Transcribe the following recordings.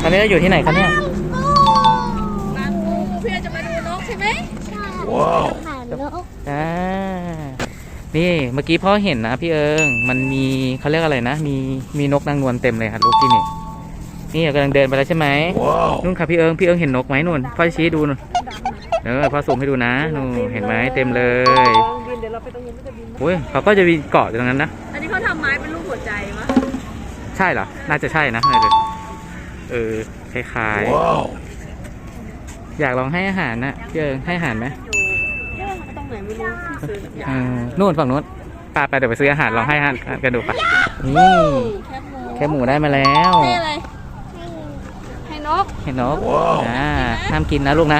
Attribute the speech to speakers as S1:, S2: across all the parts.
S1: ตอนนี้เราอยู่ที่ไหนครับเนี่ย
S2: บางปูเพื่อจะมาดูนกใช่ไหมใช่
S3: ว้าว
S2: นก
S1: นี่เมื่อกี้พ่อเห็นนะพี่เอิงมันมีเขาเรียกอะไรนะมีนกนางนวลเต็มเลยครับลูกที่นี่กำลังเดินไปแล้วใช่ไหมนู่นค่ะพี่เอิงเห็นนกไหมนู่นพ่อชี้ดูนู่นพ่อส่งให้ดูนะนู่นเห็นไหมเต็มเลยโอ้ยเขาก็จะมีเกาะอยู่ตรงนั้นนะ
S2: อันนี้เขาทำไม้เป็นรูปหัวใจมะ
S1: ใช่เหรอน่าจะใช่นะคล้ายๆอยากลองให้อาหารนะพี่เอิงให้อาหารไหม
S2: ตรงไหนไม่รู้
S1: นู่นฝั่งนู้นไปเดี๋ยวไปซื้ออาหารลองให้อาหารกันดูปะนี่แค่หมูได้มาแล้ว
S2: ให้อะไรให้นก
S1: ห้ามกินนะลูกนะ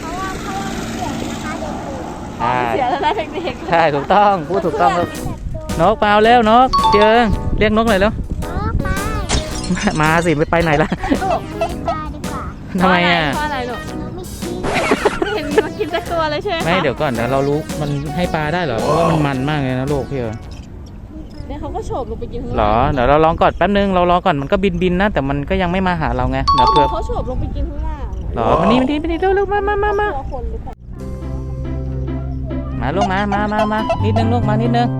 S2: เสียแล้วนะเด็ก
S1: ๆใช่ถูกต้องพูดถูกต้องครับนกเปล่าแล้วนกพี่เอิงเรียกนกหน่อยแล้วมาสิไปไหนล่ะทำไมอ่ะ
S2: เพราะอะไรลูกเห็นมันกินแต่ตัวเลยใช่ไหม
S1: ไม่เดี๋ยวก่อนเดี๋ยวเรารู้มันให้ปลาได้เหรอเพราะว่ามันมากเลยนะลูกพี่เอิง
S2: เนี่ยเขาก็โฉบลงไปกินข้างล่าง
S1: หรอเดี๋ยวเราลองก่อนแป๊บนึงเรารอก่อนมันก็บินนะแต่มันก็ยังไม่มาหาเราไงเดี๋ยวเผื่อ
S2: เขาโฉบลงไปกินข้างล่าง
S1: หรอมันนี่เร็วมาลูกมานิดนึงลูกมานิดนึง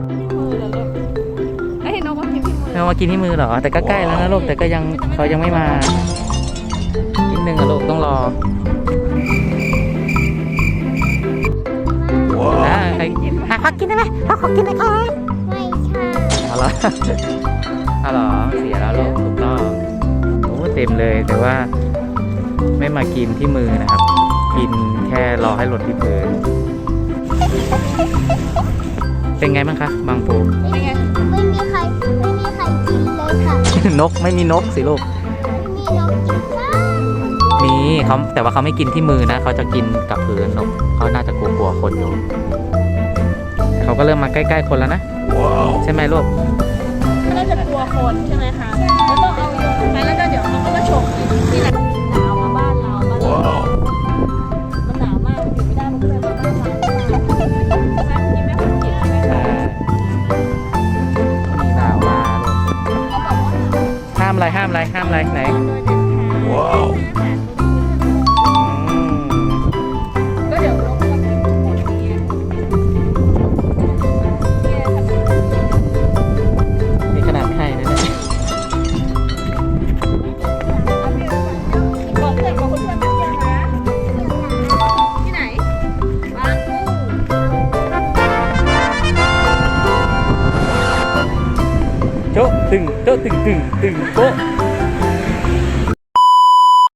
S2: ให้นกมากินที่มือ
S1: มากินที่มือเหรอแต่ก็ใกล้แล้วนะลูกแต่ก็ยังเขายังไม่มานิดนึงอะลูกต้องรอใครกินเขากินได้ไหมเขากินได้ไหม
S3: ไม่ใช่
S1: เอาเหรอเสียแล้วลูกถูกต้องโอ้เต็มเลยแต่ว่าไม่มากินที่มือนะครับกินแค่รอให้หล่นที่พื้นเป็นไงบ้างคะบางปู
S2: เป็นไง
S3: ไม่มีใครกินเลยค่ะ
S1: นกไม่มีนกสิลูก
S3: มีนกกินบ้าง
S1: มีเขาแต่ว่าเขาไม่กินที่มือนะเขาจะกินกับพื้นนกเขาน่าจะกลัวคนอยู่เขาก็เริ่มมาใกล้ๆคนแล้วนะใช่ไหมลูก
S2: น่าจะกลัวคนใช่ไหมคะแล้วต้องเอาโยนไปแล้วก็เดี๋ยวเขาก็มาฉกที่ไหนหนาวมาบ้านเรามันหนาวมากอยู่ไม่ได้มันก็เลยมาบ้านเรากินไม่คนกินใช่ไหมคะ
S1: หนาวมาห้ามอะไรไหน
S2: ก็เดี๋ยวลงมาเป็นคนนี้
S1: นี่ขนาดไม่ให้นะเนี่ย
S2: บอกเพื่อนมาเที่ยวนะที่ไหนบางปู
S1: โจ๊ะตึงโป๊ะ